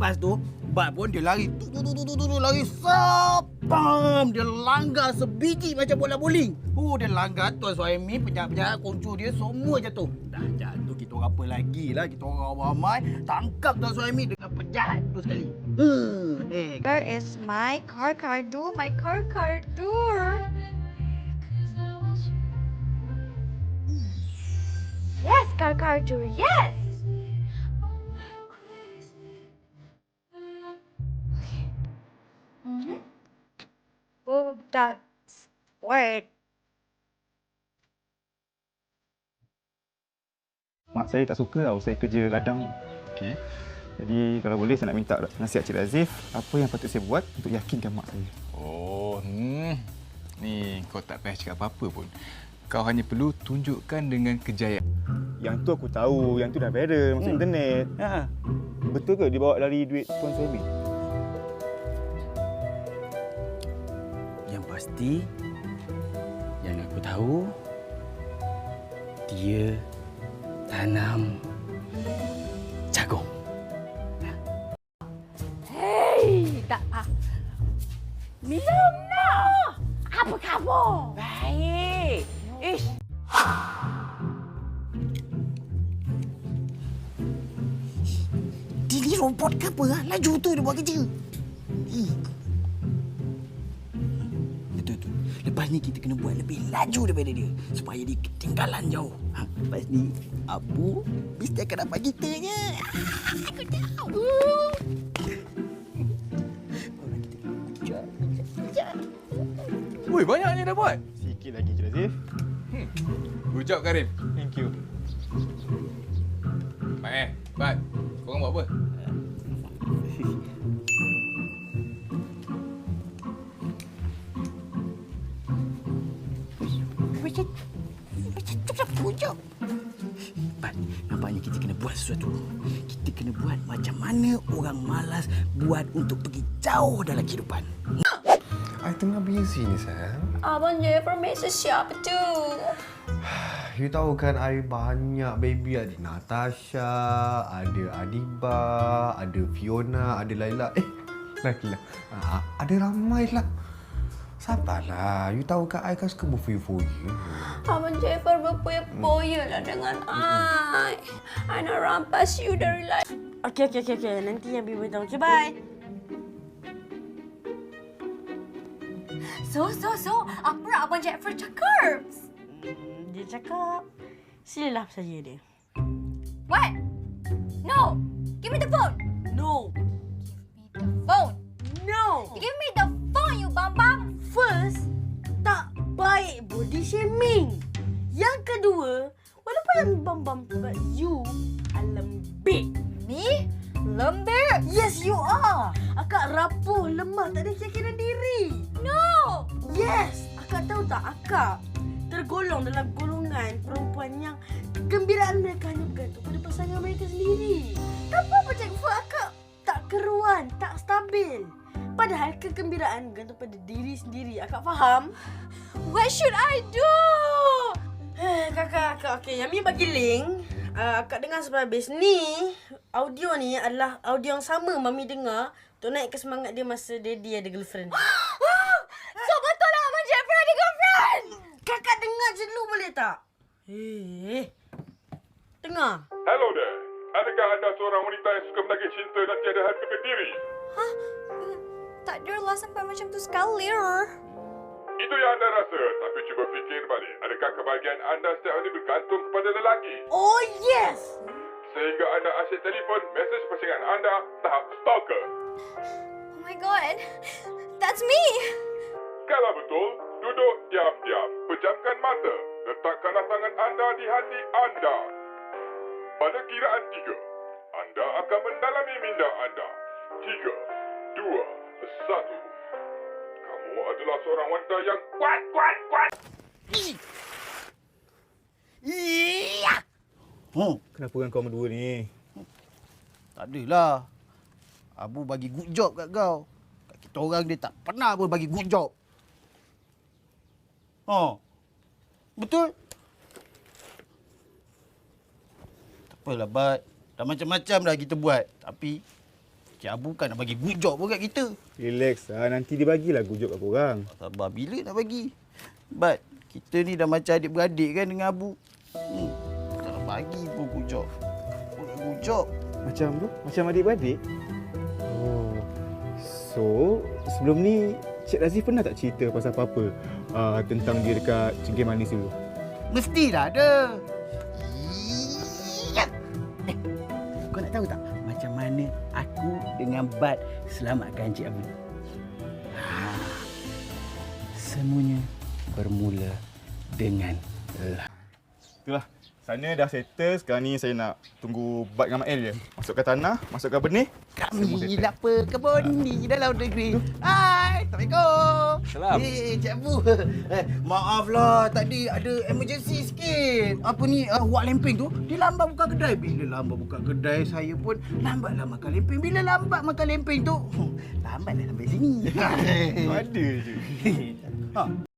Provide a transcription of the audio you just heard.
Lepas tu, Bat pun dia lari. Lari sapam. Dia langgar sebiji macam bola bowling. Dia langgar Tuan Suhaimi, penjahat-penjahat, kuncu dia semua jatuh. Dah jatuh, kita orang apa lagi lah. Kita orang ramai tangkap Tuan Suhaimi dengan penjahat tu sekali. Where is my car do? My car do. Yes, car do. Yes. Oh, that's work. Mak saya tak suka tau saya kerja ladang. Okay. Jadi kalau boleh saya nak minta nasihat Cik Razif, apa yang patut saya buat untuk yakinkan mak saya? Ni kau tak payah cakap apa-apa pun. Kau hanya perlu tunjukkan dengan kejayaan. Yang tu aku tahu, yang tu dah viral masuk internet. Ha. Betul ke dia bawa lari duit Tuan Suhaimi? Yang pasti, yang aku tahu, dia tanam jagung. Hei, tak apa. Minum nak. Apa khabar? Baik. Ish. Dia ni robot ke apa? Laju tu dia buat kerja. Betul. Lepas ni kita kena buat lebih laju daripada dia. Supaya dia ketinggalan jauh. Lepas ni, Abu mesti akan dapat kita je. Aku tahu. Woi, banyak ni dah buat. Sikit lagi Cik Razif. Good job, Karim. Thank you. Bat, korang buat apa? Macam pujuk. Bat, nampaknya kita kena buat sesuatu. Kita kena buat macam mana orang malas buat untuk pergi jauh dalam kehidupan. I tengah busy ni, Sam. Abang Jeffrey mesej siapa tu? You tahu kan, I banyak baby. Ada Natasha, ada Adiba, ada Fiona, ada Laila. Laila. Ada ramai lah. Sabarlah. You tahu kan, I kan suka berfoya-foya. Abang Jeffrey berpoya-poya lah dengan I. I nak rampas you dari life. Okey. Nanti yang Bibi tahu. Okay, bye. So, apa nak Abang Jeffrey cakap? Dia cakap, silalah saja dia. What? No! Give me the phone! No. Give me the phone! No. Give me the phone, you bambang! First, tak baik body shaming. Yang kedua, walaupun yang bam-bam but you are lembik. Me? Lembik? Yes, you are. Akak rapuh, lemah, tak ada keyakinan diri. No! Yes, akak tahu tak, akak tergolong dalam golongan perempuan yang kegembiraan mereka hanya bergantung pada pasangan mereka sendiri. Tanpa bercakap, akak tak keruan, tak stabil. Padahal kegembiraan bergantung pada diri sendiri. Akak faham? What should I do? Kakak, okey. Yami bagi link. Akak dengar sampai habis. Ni, audio ni adalah audio yang sama Mami dengar untuk naikkan semangat dia masa daddy ada girlfriend. So betul lah Abang Jeffrey ada girlfriend? Kakak dengar je dulu boleh tak? Dengar. Hello there. Adakah anda seorang wanita yang suka menagih cinta dan tiada harga diri? Hah? Tak adalah sampai macam tu sekali. Itu yang anda rasa, tapi cuba fikir balik. Adakah kebahagiaan anda setiap hari bergantung kepada lelaki? Oh yes! Sehingga anda asyik telefon mesej pasangan anda tahap stalker. Oh my god. That's me. Kalau betul, duduk diam-diam, pejamkan mata, letakkanlah tangan anda di hati anda. Pada kiraan 3, anda akan mendalami minda anda. 3, 2, 1. Kamu adalah seorang wanita yang kuat. Iya. Kenapa kan kau berdua ni? Tak adalah. Abu bagi good job kat kau. Kat kita orang dia tak pernah pun bagi good job. Betul? Tak apalah, Bat. Dah macam-macam dah kita buat. Tapi Cik Abu kan nak bagi good job pun kat kita. Relax lah, nanti dia bagilah gujuk kat korang. Sabar bila nak bagi. But kita ni dah macam adik-beradik kan dengan Abu. Tak bagi pun good job. Good job. Macam tu? Macam adik-beradik? Oh. So, sebelum ni Cik Razif pernah tak cerita pasal apa-apa tentang dia dekat Cengkeh Manis dulu? Mestilah ada. Kau nak tahu tak macam mana aku dengan Bad selamatkan Cik Abu? Semuanya bermula dengan Itulah. Sana dah settle, sekarang ni saya nak tunggu Bad dengan Mak El je. Masukkan tanah, masukkan benih. kami lapar kebun di dalam negeri. Hai, Assalamualaikum. Salam. Cik Abu. Maaflah tadi ada emergency sikit. Apa ni wak lempeng tu dia lambat buka kedai. Bila lambat buka kedai saya pun lambatlah makan lempeng. Bila lambat makan lempeng tu lambatlah sampai sini. Ada je.